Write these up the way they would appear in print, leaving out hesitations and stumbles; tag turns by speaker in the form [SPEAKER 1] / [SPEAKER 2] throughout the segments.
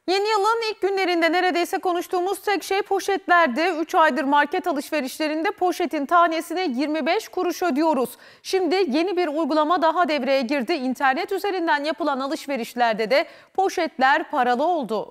[SPEAKER 1] Yeni yılın ilk günlerinde neredeyse konuştuğumuz tek şey poşetlerdi. 3 aydır market alışverişlerinde poşetin tanesine 25 kuruş ödüyoruz. Şimdi yeni bir uygulama daha devreye girdi. İnternet üzerinden yapılan alışverişlerde de poşetler paralı oldu.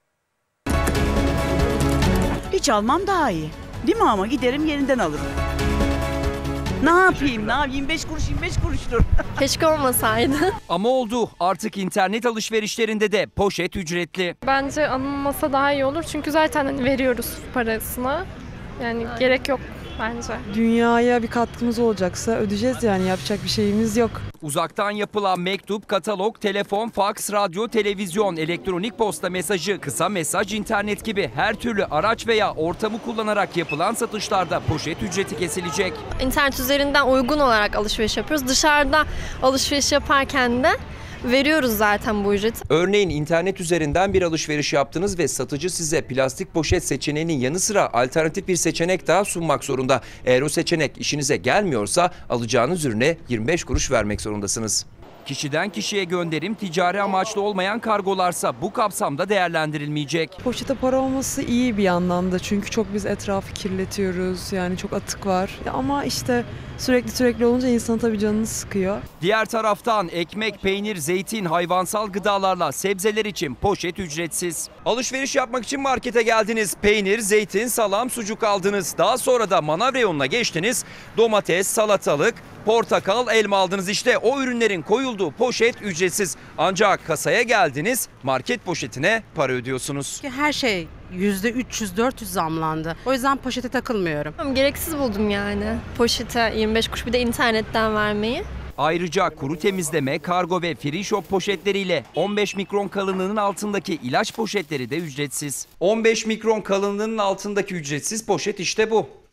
[SPEAKER 2] Hiç almam daha iyi. Değil mi ama giderim yerinden alırım. Ne yapayım? 25 kuruş 25 kuruştur.
[SPEAKER 3] Keşke olmasaydı.
[SPEAKER 4] Ama oldu. Artık internet alışverişlerinde de poşet ücretli.
[SPEAKER 3] Bence alınmasa daha iyi olur çünkü zaten veriyoruz parasını. Yani gerek yok bence.
[SPEAKER 5] Dünyaya bir katkımız olacaksa ödeyeceğiz, yani yapacak bir şeyimiz yok.
[SPEAKER 4] Uzaktan yapılan mektup, katalog, telefon, faks, radyo, televizyon, elektronik posta mesajı, kısa mesaj, internet gibi her türlü araç veya ortamı kullanarak yapılan satışlarda poşet ücreti kesilecek.
[SPEAKER 3] İnternet üzerinden uygun olarak alışveriş yapıyoruz. Dışarıda alışveriş yaparken de veriyoruz zaten bu ücreti.
[SPEAKER 4] Örneğin internet üzerinden bir alışveriş yaptınız ve satıcı size plastik poşet seçeneğinin yanı sıra alternatif bir seçenek daha sunmak zorunda. Eğer o seçenek işinize gelmiyorsa alacağınız ürüne 25 kuruş vermek zorundasınız. Kişiden kişiye gönderim ticari amaçlı olmayan kargolarsa bu kapsamda değerlendirilmeyecek.
[SPEAKER 5] Poşete para olması iyi bir yandan da, çünkü çok biz etrafı kirletiyoruz, yani çok atık var. Ama işte sürekli olunca insan tabii canını sıkıyor.
[SPEAKER 4] Diğer taraftan ekmek, peynir, zeytin, hayvansal gıdalarla sebzeler için poşet ücretsiz. Alışveriş yapmak için markete geldiniz. Peynir, zeytin, salam, sucuk aldınız. Daha sonra da manav reyonuna geçtiniz. Domates, salatalık, portakal, elma aldınız. İşte o ürünlerin koyulduğu poşet ücretsiz. Ancak kasaya geldiniz, market poşetine para ödüyorsunuz.
[SPEAKER 6] Her şey %300-400 zamlandı. O yüzden poşete takılmıyorum.
[SPEAKER 3] Gereksiz buldum yani poşete 25 kuruş bir de internetten vermeyi.
[SPEAKER 4] Ayrıca kuru temizleme, kargo ve free shop poşetleriyle 15 mikron kalınlığının altındaki ilaç poşetleri de ücretsiz. 15 mikron kalınlığının altındaki ücretsiz poşet işte bu.